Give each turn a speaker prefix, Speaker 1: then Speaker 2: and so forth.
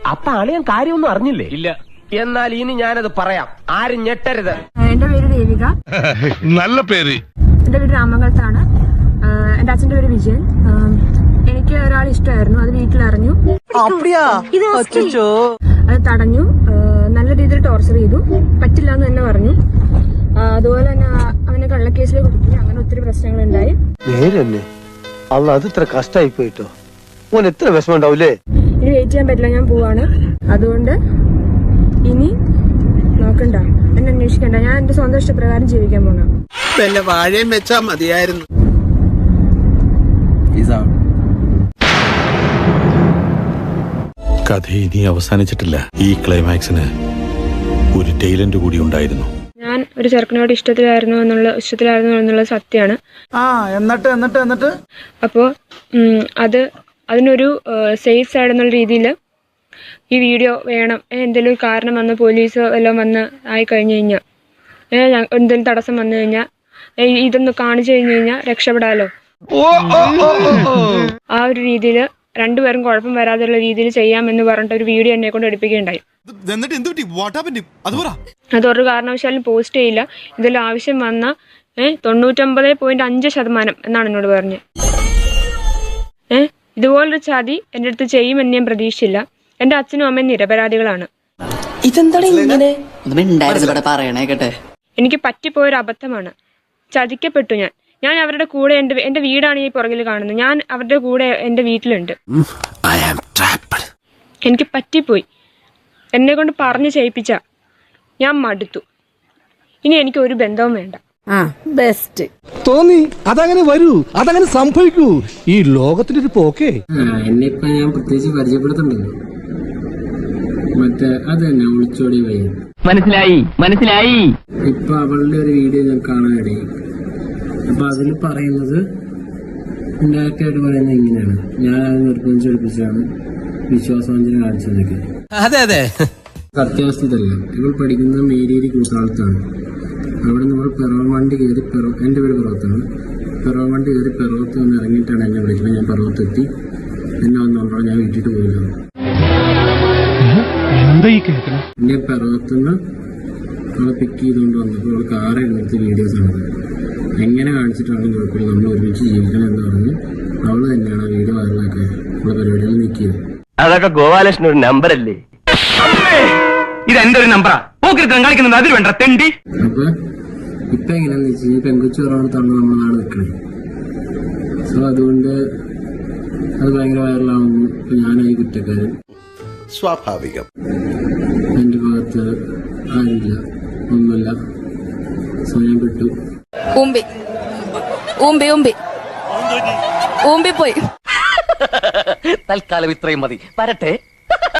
Speaker 1: അപ്പൊ അളിയൻ കാര്യമൊന്നും അറിഞ്ഞില്ലേ? ഇല്ല. എന്നാൽ ഇനി ഞാനത് പറയാം, ആരും ഞെട്ടരുത്.
Speaker 2: എന്റെ പേര് ദേവിക.
Speaker 3: നല്ല പേര്.
Speaker 2: എന്റെ വീട് രാമംഗലത്താണ്. എന്റെ അച്ഛന്റെ പേര് വിജയൻ. എനിക്ക് ഒരാൾ ഇഷ്ടമായിരുന്നു, അത് വീട്ടിലറിഞ്ഞു. അത് തടഞ്ഞു, നല്ല രീതിയിൽ ടോർച്ചർ ചെയ്തു, പറ്റില്ല എന്ന് തന്നെ പറഞ്ഞു. അതുപോലെ തന്നെ അവനെ കള്ളക്കേസിൽ കൊടുത്തു. അങ്ങനെ ഒത്തിരി പ്രശ്നങ്ങളുണ്ടായി.
Speaker 4: അല്ല, അത് ഇത്ര കഷ്ടമായി പോയിട്ടോ. ഓൻ എത്ര വിഷമം ഉണ്ടാവൂലേ?
Speaker 2: ഇനി വെയിറ്റ് ചെയ്യാൻ പറ്റില്ല, ഞാൻ പോവാണ്. അതുകൊണ്ട് ഇനി നോക്കണ്ട, എന്നെ അന്വേഷിക്കണ്ട. ഞാൻ എന്റെ സ്വന്തം ഇഷ്ടപ്രകാരം ജീവിക്കാൻ പോണം.
Speaker 5: വല്ല വാഴയും വെച്ചാ മതിയായിരുന്നു.
Speaker 6: കഥ ഇനി അവസാനിച്ചിട്ടില്ല. ഈ ക്ലൈമാക്സിന് ഒരു ടൈലന്റ് കൂടി ഉണ്ടായിരുന്നു.
Speaker 2: ഞാൻ ഒരു ചെറുക്കനോട് ഇഷ്ടത്തിലായിരുന്നു എന്നുള്ള സത്യമാണ്.
Speaker 5: എന്നിട്ട്
Speaker 2: അപ്പോൾ അതിനൊരു സേഫ് സൈഡ് എന്നുള്ള രീതിയിൽ ഈ വീഡിയോ വേണം. എന്തെങ്കിലും ഒരു കാരണം വന്ന് പോലീസ് വല്ലതും വന്ന് ആയി കഴിഞ്ഞു കഴിഞ്ഞാൽ, എന്തെങ്കിലും തടസ്സം വന്നു കഴിഞ്ഞാൽ ഇതൊന്ന് കാണിച്ചു കഴിഞ്ഞു കഴിഞ്ഞാൽ രക്ഷപ്പെടാലോ. ആ ഒരു രീതിയിൽ രണ്ടുപേരും കുഴപ്പം വരാതെയുള്ള രീതിയിൽ ചെയ്യാമെന്ന് പറഞ്ഞിട്ട് ഒരു വീഡിയോ എന്നെ കൊണ്ട് എടുപ്പിക്കുകയുണ്ടായി. അതൊരു കാരണവശാലും പോസ്റ്റ് ചെയ്യില്ല. ഇതിൽ ആവശ്യം വന്ന 99.5% എന്നാണ് എന്നോട് പറഞ്ഞത്. ഇതുപോലൊരു ചതി എൻ്റെ അടുത്ത് ചെയ്യുമെന്ന് ഞാൻ പ്രതീക്ഷിച്ചില്ല. എൻ്റെ അച്ഛനും അമ്മയും നിരപരാധികളാണ്. എനിക്ക് പറ്റിപ്പോയൊരു അബദ്ധമാണ്. ചതിക്കപ്പെട്ടു ഞാൻ അവരുടെ കൂടെ. എന്റെ വീടാണ് ഈ പുറകിൽ കാണുന്നത്. ഞാൻ അവരുടെ കൂടെ എന്റെ വീട്ടിലുണ്ട്. എനിക്ക് പറ്റിപ്പോയി. എന്നെ കൊണ്ട് പറഞ്ഞു ചെയ്യിപ്പിച്ച ഞാൻ മടുത്തു. ഇനി എനിക്ക് ഒരു ബന്ധവും വേണ്ട.
Speaker 7: ബെസ്റ്റ്
Speaker 4: തോന്നി അതങ്ങനെ വരൂ, അതങ്ങനെ സംഭവിക്കൂ. ഈ ലോകത്തിന്റെ ഒരു പോക്കേ.
Speaker 8: എന്നെ ഇപ്പൊ ഞാൻ പ്രത്യേകിച്ച് പരിചയപ്പെടുത്തുന്നുണ്ടല്ലോ. മറ്റേ അത് തന്നെ ഒളിച്ചോടി വയ്യ.
Speaker 1: മനസ്സിലായി.
Speaker 8: ഇപ്പൊ അവളുടെ ഒരു വീഡിയോ ഞാൻ കാണാനിടയായി. അപ്പൊ അതിൽ പറയുന്നത് ഡയറക്റ്റ് ആയിട്ട് പറയുന്നത് ഇങ്ങനെയാണ്: ഞാൻ അത് നിർബന്ധിച്ചെടുപ്പിച്ചാണ് വിശ്വാസവഞ്ചന കാണിച്ചതൊക്കെ.
Speaker 5: അതെ
Speaker 8: സത്യാവസ്ഥ ഇതല്ല. ഇവൾ പഠിക്കുന്നത് മേരിയേരി കൂട്ടാളത്താണ്. അവിടെ നമ്മൾ പിറവം വണ്ടി കയറി, എൻ്റെ പേര് പിറവത്താണ്. പിറവം വണ്ടി കയറി പിറവത്ത് നിന്ന് ഇറങ്ങിയിട്ടാണ് എന്നെ വിളിക്കുന്നത്. ഞാൻ പിറവത്തെത്തി. എന്നെ വന്നോണ്ടോ ഞാൻ വീട്ടിട്ട് പോയില്ല. എന്നെ പിറവത്തുനിന്ന് അവളെ പിക്ക് ചെയ്തുകൊണ്ട് വന്നപ്പോൾ അവൾ കാറ് എടുത്ത് വീഡിയോസാണ്. എങ്ങനെ കാണിച്ചിട്ടാണ് കുഴപ്പമില്ല, നമ്മൾ ഒരുമിച്ച് ജീവിക്കണം എന്ന് പറഞ്ഞ് അവള് തന്നെയാണ് ആ വീഡിയോ വൈറലാക്കാൻ ഉള്ള പരിപാടികൾ നീക്കിയത്.
Speaker 1: അതൊക്കെ ഗോപാലകൃഷ്ണൻ ഒരു നമ്പറല്ലേ? ഇത് എന്റെ ഒരു നമ്പറാ. കളിക്കുന്നത് അതിൽ വേണ്ട തെണ്ടി.
Speaker 8: അപ്പൊ ഇപ്പൊ എങ്ങനെയാന്ന് വെച്ചാൽ ഈ പെൺകുച്ചു കുറവാണ് നമ്മുടെ നാട് നിൽക്കണേ. സോ അതുകൊണ്ട് അത് ഭയങ്കര വൈറലാവുന്നു. ഇപ്പൊ ഞാനായി കുറ്റക്കാരൻ.
Speaker 5: സ്വാഭാവികം.
Speaker 8: എന്റെ ഭാഗത്ത് ആരില്ല, ഒന്നുമില്ല. സോ ഞാൻ പെട്ടു.
Speaker 7: പോയി
Speaker 1: തൽക്കാലം ഇത്രയും മതി. വരട്ടെ.